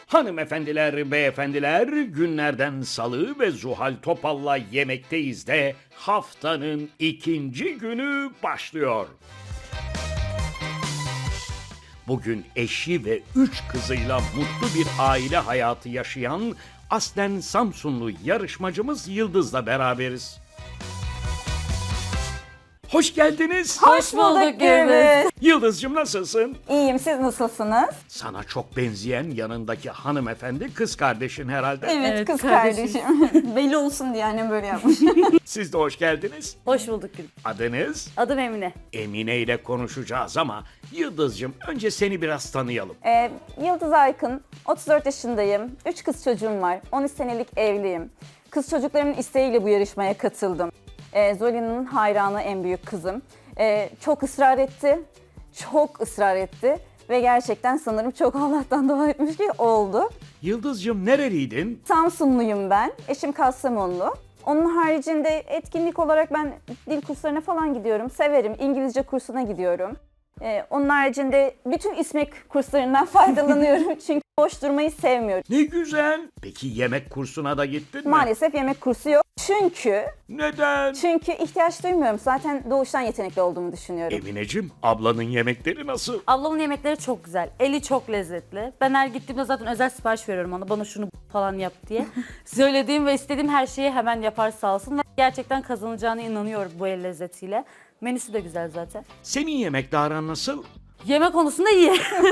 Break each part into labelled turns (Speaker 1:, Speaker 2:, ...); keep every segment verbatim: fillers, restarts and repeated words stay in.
Speaker 1: Hanımefendiler, beyefendiler, günlerden Salı ve Zuhal Topal'la Yemekteyiz de haftanın ikinci günü başlıyor. Bugün eşi ve üç kızıyla mutlu bir aile hayatı yaşayan aslen Samsunlu yarışmacımız Yıldız'la beraberiz. Hoş geldiniz.
Speaker 2: Hoş bulduk Gürbüz.
Speaker 1: Yıldız'cığım nasılsın?
Speaker 2: İyiyim, siz nasılsınız?
Speaker 1: Sana çok benzeyen yanındaki hanımefendi kız kardeşin herhalde.
Speaker 2: Evet,
Speaker 3: Evet,
Speaker 2: kız
Speaker 3: kardeşim.
Speaker 2: kardeşim. Belli olsun diye annem böyle yapmış.
Speaker 1: Siz de hoş geldiniz.
Speaker 3: Hoş bulduk Gül.
Speaker 1: Adınız?
Speaker 3: Adım Emine.
Speaker 1: Emine ile konuşacağız ama Yıldız'cığım önce seni biraz tanıyalım.
Speaker 2: ee, Yıldız Aykın, otuz dört yaşındayım. üç kız çocuğum var. on üç senelik evliyim. Kız çocuklarımın isteğiyle bu yarışmaya katıldım. Ee, Zolina'nın hayranı en büyük kızım. Ee, çok ısrar etti. Çok ısrar etti. Ve gerçekten sanırım çok Allah'tan dua etmiş ki oldu.
Speaker 1: Yıldız'cığım nereliydin?
Speaker 2: Samsunluyum ben. Eşim Kastamonlu. Onun haricinde etkinlik olarak ben dil kurslarına falan gidiyorum. Severim. İngilizce kursuna gidiyorum. Ee, onun haricinde bütün İSMEK kurslarından faydalanıyorum. Çünkü boş durmayı sevmiyorum.
Speaker 1: Ne güzel. Peki yemek kursuna da gittin mi?
Speaker 2: Maalesef yemek kursu yok. Çünkü
Speaker 1: Neden?
Speaker 2: çünkü ihtiyaç duymuyorum. Zaten doğuştan yetenekli olduğumu düşünüyorum.
Speaker 1: Emineciğim, ablanın yemekleri nasıl?
Speaker 3: Ablamın yemekleri çok güzel. Eli çok lezzetli. Ben her gittiğimde zaten özel sipariş veriyorum ona. Bana şunu falan yap diye. Söylediğim ve istediğim her şeyi hemen yapar sağ olsun. Ve gerçekten kazanacağına inanıyorum bu el lezzetiyle. Menüsü de güzel zaten.
Speaker 1: Senin yemekle aran nasıl?
Speaker 3: Yemek konusunda iyi.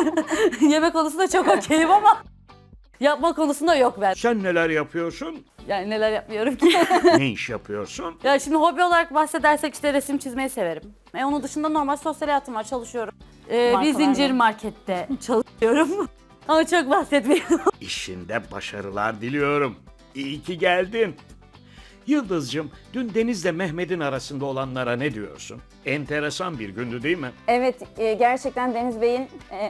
Speaker 3: Yemek konusunda çok okeyim ama yapma konusunda yok ben.
Speaker 1: Sen neler yapıyorsun?
Speaker 3: Yani neler yapmıyorum ki.
Speaker 1: Ne iş yapıyorsun?
Speaker 3: Ya şimdi hobi olarak bahsedersek işte resim çizmeyi severim. E onun dışında normal sosyal hayatım var, çalışıyorum. Ee, bir
Speaker 2: Markalar
Speaker 3: zincir
Speaker 2: mı?
Speaker 3: markette çalışıyorum. Ama çok bahsetmiyorum.
Speaker 1: İşinde başarılar diliyorum. İyi ki geldin. Yıldız'cığım, dün Deniz'le Mehmet'in arasında olanlara ne diyorsun? Enteresan bir gündü değil mi?
Speaker 2: Evet, e, gerçekten Deniz Bey'in e,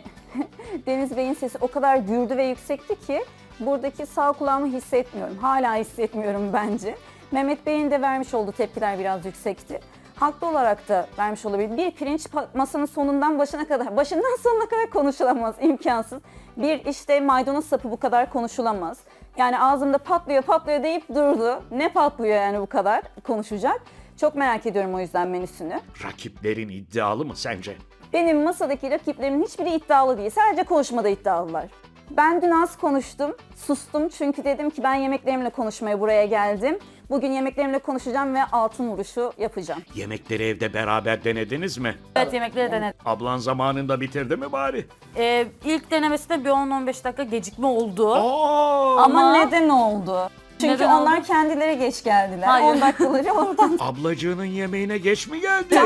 Speaker 2: Deniz Bey'in sesi o kadar gürlü ve yüksekti ki buradaki sağ kulağımı hissetmiyorum. Hala hissetmiyorum bence. Mehmet Bey'in de vermiş olduğu tepkiler biraz yüksekti. Haklı olarak da vermiş olabilir. Bir pirinç pa- masanın sonundan başına kadar, başından sonuna kadar konuşulamaz, imkansız. Bir işte maydanoz sapı bu kadar konuşulamaz. Yani ağzımda patlıyor patlıyor deyip durdu. Ne patlıyor yani bu kadar konuşacak. Çok merak ediyorum o yüzden menüsünü.
Speaker 1: Rakiplerin iddialı mı sence?
Speaker 2: Benim masadaki rakiplerimin hiçbiri iddialı değil. Sadece konuşmada iddialılar. Ben dün az konuştum, sustum çünkü dedim ki ben yemeklerimle konuşmaya buraya geldim. Bugün yemeklerimle konuşacağım ve altın vuruşu yapacağım.
Speaker 1: Yemekleri evde beraber denediniz mi?
Speaker 3: Evet, yemekleri denedim.
Speaker 1: Ablan zamanında bitirdi mi bari?
Speaker 3: Ee, ilk denemesinde bir on on beş dakika gecikme oldu.
Speaker 1: Aa!
Speaker 2: Ama,
Speaker 3: Ama-
Speaker 2: neden oldu? Çünkü
Speaker 3: Neden
Speaker 2: onlar
Speaker 3: oldu?
Speaker 2: kendileri geç geldiler.
Speaker 3: Hayır.
Speaker 2: on dakikaları oradan
Speaker 1: Ablacığının yemeğine geç mi geldi?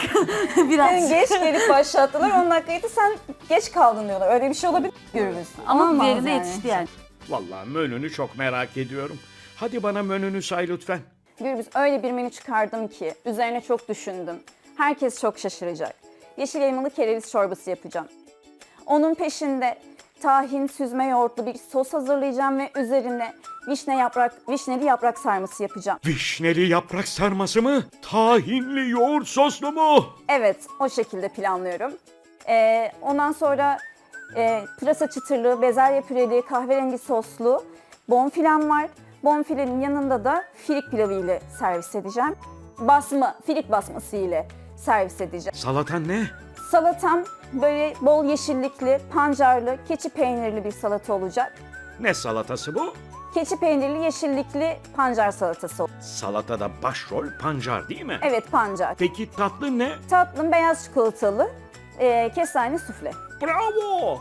Speaker 3: Biraz.
Speaker 2: geç gelip başlattılar. on dakikaydı sen geç kaldın diyorlar. Öyle bir şey olabilir mi Gürbüz?
Speaker 3: Ama
Speaker 2: Olmaz
Speaker 3: diğerinde
Speaker 2: yani.
Speaker 3: yetişti yani.
Speaker 1: Vallahi menünü çok merak ediyorum. Hadi bana menünü say lütfen.
Speaker 2: Gürbüz öyle bir menü çıkardım ki üzerine çok düşündüm. Herkes çok şaşıracak. Yeşil elmalı kereviz çorbası yapacağım. Onun peşinde tahin, süzme yoğurtlu bir sos hazırlayacağım ve üzerine vişne yaprak, vişneli yaprak sarması yapacağım.
Speaker 1: Vişneli yaprak sarması mı? Tahinli yoğurt soslu mu?
Speaker 2: Evet, o şekilde planlıyorum. Ee, ondan sonra e, pırasa çıtırlı, bezelye püreli, kahverengi soslu bonfilem var. Bonfilenin yanında da firik pilavı ile servis edeceğim. Basma, firik basması ile servis edeceğim.
Speaker 1: Salatan ne?
Speaker 2: Salatam böyle bol yeşillikli, pancarlı, keçi peynirli bir salata olacak.
Speaker 1: Ne salatası bu?
Speaker 2: Keçi peynirli, yeşillikli pancar salatası olacak.
Speaker 1: Salatada başrol pancar değil mi?
Speaker 2: Evet, pancar.
Speaker 1: Peki tatlı ne?
Speaker 2: Tatlım beyaz çikolatalı, e, kestane sufle.
Speaker 1: Bravo!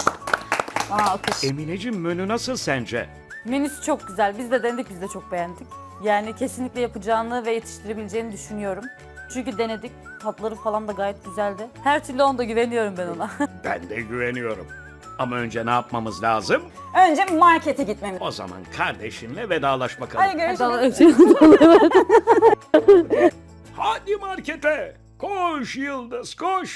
Speaker 2: Aa, alkış.
Speaker 1: Emineciğim menü nasıl sence?
Speaker 3: Menüsü çok güzel. Biz de denedik, biz de çok beğendik. Yani kesinlikle yapacağını ve yetiştirebileceğini düşünüyorum. Çünkü denedik. Tatları falan da gayet güzeldi. Her türlü onda güveniyorum ben ona.
Speaker 1: Ben de güveniyorum. Ama önce ne yapmamız lazım?
Speaker 2: Önce markete gitmemiz.
Speaker 1: O zaman kardeşinle vedalaş bakalım.
Speaker 2: Hadi görüşürüz.
Speaker 1: Hadi markete! Koş Yıldız koş!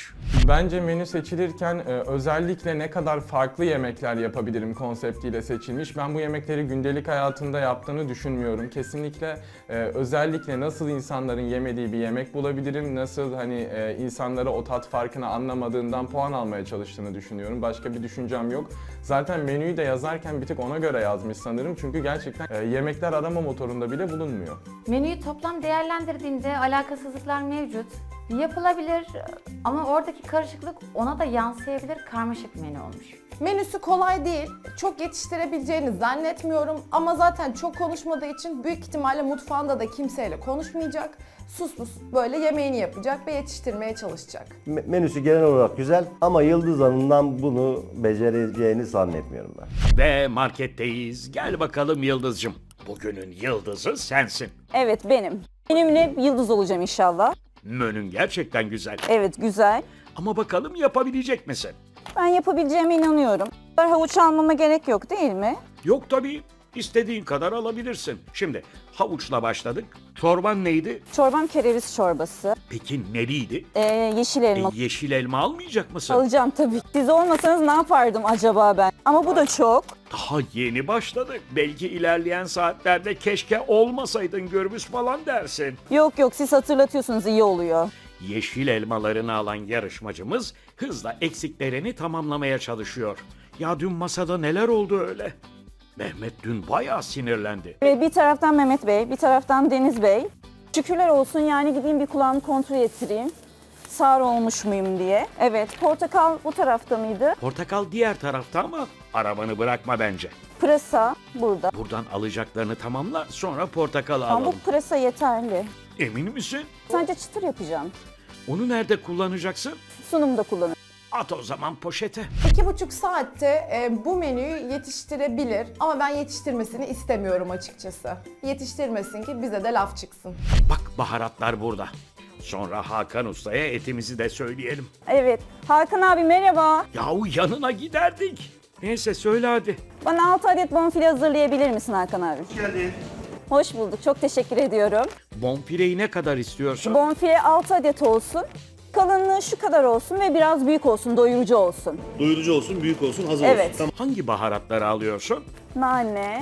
Speaker 4: Bence menü seçilirken e, özellikle ne kadar farklı yemekler yapabilirim konseptiyle seçilmiş. Ben bu yemekleri gündelik hayatında yaptığını düşünmüyorum. Kesinlikle e, özellikle nasıl insanların yemediği bir yemek bulabilirim, nasıl hani e, insanlara o tat farkını anlamadığından puan almaya çalıştığını düşünüyorum. Başka bir düşüncem yok. Zaten menüyü de yazarken bir tık ona göre yazmış sanırım. Çünkü gerçekten e, yemekler arama motorunda bile bulunmuyor.
Speaker 5: Menüyü toplam değerlendirdiğimde alakasızlıklar mevcut. Yapılabilir ama oradaki karışıklık ona da yansıyabilir, karmaşık bir menü olmuş.
Speaker 6: Menüsü kolay değil, çok yetiştirebileceğini zannetmiyorum ama zaten çok konuşmadığı için büyük ihtimalle mutfağında da kimseyle konuşmayacak. Sus pus böyle yemeğini yapacak ve yetiştirmeye çalışacak.
Speaker 7: Me- Menüsü genel olarak güzel ama Yıldız Hanım'dan bunu becereceğini zannetmiyorum ben.
Speaker 1: Ve marketteyiz. Gel bakalım Yıldız'cığım. Bugünün yıldızı sensin.
Speaker 2: Evet benim. Benimle yıldız olacağım inşallah.
Speaker 1: Menün gerçekten güzel.
Speaker 2: Evet güzel.
Speaker 1: Ama bakalım yapabilecek misin?
Speaker 2: Ben yapabileceğime inanıyorum. Havuç almama gerek yok değil mi?
Speaker 1: Yok tabii. İstediğin kadar alabilirsin. Şimdi havuçla başladık. Çorban neydi?
Speaker 2: Çorbam kereviz çorbası.
Speaker 1: Peki neliydi?
Speaker 2: Ee, yeşil
Speaker 1: E,
Speaker 2: elma.
Speaker 1: yeşil elma almayacak mısın?
Speaker 2: Alacağım tabii. Siz olmasanız ne yapardım acaba ben? Ama bu da çok.
Speaker 1: Daha yeni başladık. Belki ilerleyen saatlerde keşke olmasaydın gürbüz falan dersin.
Speaker 2: Yok yok siz hatırlatıyorsunuz iyi oluyor.
Speaker 1: Yeşil elmalarını alan yarışmacımız hızla eksiklerini tamamlamaya çalışıyor. Ya dün masada neler oldu öyle? Mehmet dün bayağı sinirlendi.
Speaker 2: Ve bir taraftan Mehmet Bey, bir taraftan Deniz Bey. Şükürler olsun yani gideyim bir kulağımı kontrol ettireyim. Sağır olmuş muyum diye. Evet, portakal bu tarafta mıydı?
Speaker 1: Portakal diğer tarafta ama arabanı bırakma bence.
Speaker 2: Pırasa burada.
Speaker 1: Buradan alacaklarını tamamla, sonra portakalı
Speaker 2: Ama bu
Speaker 1: alalım.
Speaker 2: pırasa yeterli.
Speaker 1: Emin misin?
Speaker 2: Sadece çıtır yapacağım.
Speaker 1: Onu nerede kullanacaksın?
Speaker 2: Sunumda kullanırım.
Speaker 1: At o zaman poşete.
Speaker 6: İki buçuk saatte e, bu menüyü yetiştirebilir ama ben yetiştirmesini istemiyorum açıkçası. Yetiştirmesin ki bize de laf çıksın.
Speaker 1: Bak baharatlar burada. Sonra Hakan Usta'ya etimizi de söyleyelim.
Speaker 2: Evet, Hakan abi merhaba.
Speaker 1: Yahu yanına giderdik. Neyse söyle hadi.
Speaker 2: Bana altı adet bonfile hazırlayabilir misin Hakan abi? Hoş geldin. Hoş bulduk, çok teşekkür ediyorum.
Speaker 1: Bonfileyi ne kadar istiyorsun?
Speaker 2: Bonfile altı adet olsun. Kalınlığı şu kadar olsun ve biraz büyük olsun, doyurucu olsun.
Speaker 8: Doyurucu olsun, büyük olsun, hazır
Speaker 2: Evet.
Speaker 8: olsun. Tamam.
Speaker 1: Hangi baharatları alıyorsun?
Speaker 2: Nane,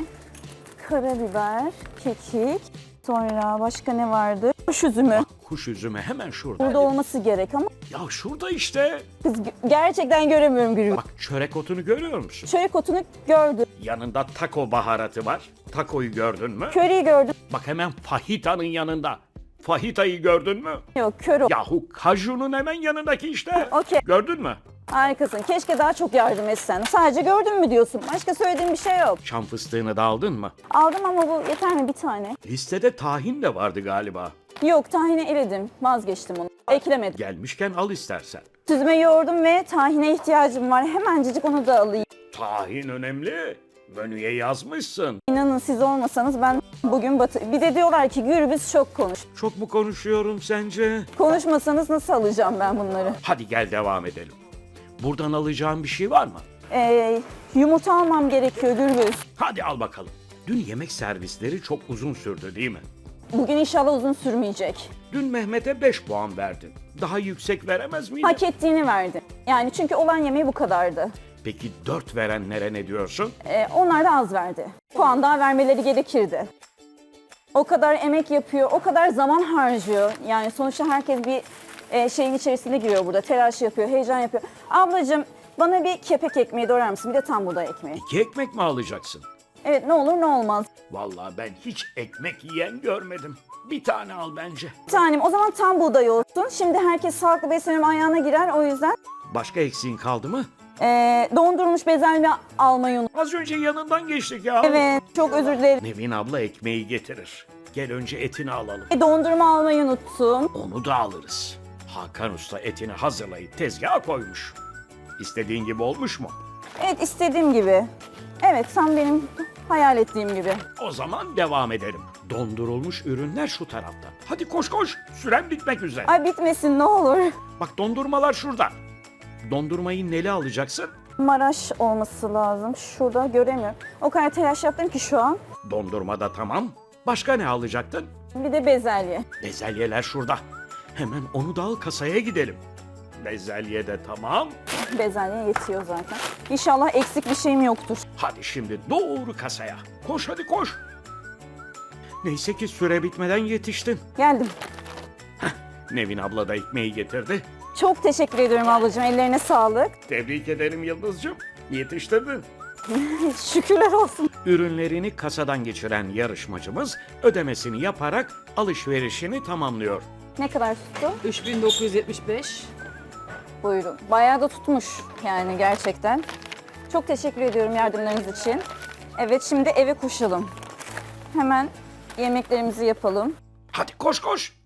Speaker 2: karabiber, kekik, sonra başka ne vardı? Kuş üzümü.
Speaker 1: Kuş üzümü hemen şurada.
Speaker 2: Burada olması gerek ama
Speaker 1: Ya şurada işte.
Speaker 2: kız gö- gerçekten göremiyorum Gülü.
Speaker 1: Bak çörek otunu görüyor musun?
Speaker 2: Çörek otunu gördüm,
Speaker 1: Yanında taco baharatı var. Takoyu gördün mü?
Speaker 2: köriyi gördüm.
Speaker 1: Bak hemen fahitanın yanında. Fahitayı gördün mü?
Speaker 2: Yok, kör o.
Speaker 1: Yahu kajunun hemen yanındaki işte.
Speaker 2: Okey.
Speaker 1: Gördün mü?
Speaker 2: Harikasın. Keşke daha çok yardım etsen. Sadece gördün mü diyorsun. Başka söylediğim bir şey yok.
Speaker 1: Çam fıstığını da aldın mı?
Speaker 2: Aldım ama bu yeter mi bir tane?
Speaker 1: Listede tahin de vardı galiba.
Speaker 2: Yok, tahine eledim. Vazgeçtim onu. Eklemedim.
Speaker 1: Gelmişken al istersen.
Speaker 2: Süzme yoğurdum ve tahine ihtiyacım var. Hemencecik onu da alayım.
Speaker 1: Tahin önemli. Menüye yazmışsın.
Speaker 2: İnanın siz olmasanız ben bugün batı... Bir de diyorlar ki Gürbüz çok konuş.
Speaker 1: Çok mu konuşuyorum sence?
Speaker 2: Konuşmasanız nasıl alacağım ben bunları?
Speaker 1: Hadi gel devam edelim. Buradan alacağım bir şey var mı?
Speaker 2: Ee, yumurta almam gerekiyor Gürbüz.
Speaker 1: Hadi al bakalım. Dün yemek servisleri çok uzun sürdü değil mi?
Speaker 2: Bugün inşallah uzun sürmeyecek.
Speaker 1: Dün Mehmet'e beş puan verdin. Daha yüksek veremez miydin?
Speaker 2: Hak ettiğini verdi. Yani çünkü olan yemeği bu kadardı.
Speaker 1: Peki dört verenlere ne diyorsun?
Speaker 2: Ee, onlar da az verdi. Puan daha vermeleri gerekirdi. O kadar emek yapıyor, o kadar zaman harcıyor. Yani sonuçta herkes bir e, şeyin içerisine giriyor burada. Telaş yapıyor, heyecan yapıyor. Ablacığım bana bir kepek ekmeği doğrar mısın? Bir de tam buğday ekmeği.
Speaker 1: İki ekmek mi alacaksın?
Speaker 2: Evet ne olur ne olmaz.
Speaker 1: Vallahi ben hiç ekmek yiyen görmedim. Bir tane al bence.
Speaker 2: Bir tanem o zaman tam buğday olsun. Şimdi herkes sağlıklı beslenme ayağına girer o yüzden.
Speaker 1: Başka eksiğin kaldı mı?
Speaker 2: E, dondurulmuş bezelye almayı unut.
Speaker 1: Az önce yanından geçtik ya.
Speaker 2: Evet çok özür dilerim.
Speaker 1: Nevin abla ekmeği getirir. Gel önce etini alalım.
Speaker 2: E, dondurma almayı unuttum.
Speaker 1: Onu da alırız. Hakan Usta etini hazırlayıp tezgaha koymuş. İstediğin gibi olmuş mu?
Speaker 2: Evet istediğim gibi. Evet tam benim hayal ettiğim gibi.
Speaker 1: O zaman devam edelim. Dondurulmuş ürünler şu tarafta. Hadi koş koş. Süren bitmek üzere.
Speaker 2: Ay bitmesin ne olur.
Speaker 1: Bak dondurmalar şurada. Dondurmayı neli alacaksın?
Speaker 2: Maraş olması lazım. Şurada göremiyorum. O kadar telaş yaptım ki şu an.
Speaker 1: Dondurma da tamam. Başka ne alacaktın?
Speaker 2: Bir de bezelye.
Speaker 1: Bezelyeler şurada. Hemen onu da al kasaya gidelim. Bezelye de tamam.
Speaker 2: Bezelye yetiyor zaten. İnşallah eksik bir şeyim yoktur.
Speaker 1: Hadi şimdi doğru kasaya. Koş hadi koş. Neyse ki süre bitmeden yetiştin.
Speaker 2: Geldim.
Speaker 1: Nevin abla da ekmeği getirdi.
Speaker 2: Çok teşekkür ediyorum ablacığım. Ellerine sağlık.
Speaker 1: Tebrik ederim Yıldız'cığım. Yetiştirdin.
Speaker 2: Şükürler olsun.
Speaker 1: Ürünlerini kasadan geçiren yarışmacımız ödemesini yaparak alışverişini tamamlıyor.
Speaker 2: Ne kadar tuttu?
Speaker 3: üç bin dokuz yüz yetmiş beş.
Speaker 2: Buyurun. Bayağı da tutmuş yani gerçekten. Çok teşekkür ediyorum yardımlarınız için. Evet, şimdi eve koşalım. Hemen yemeklerimizi yapalım.
Speaker 1: Hadi koş koş.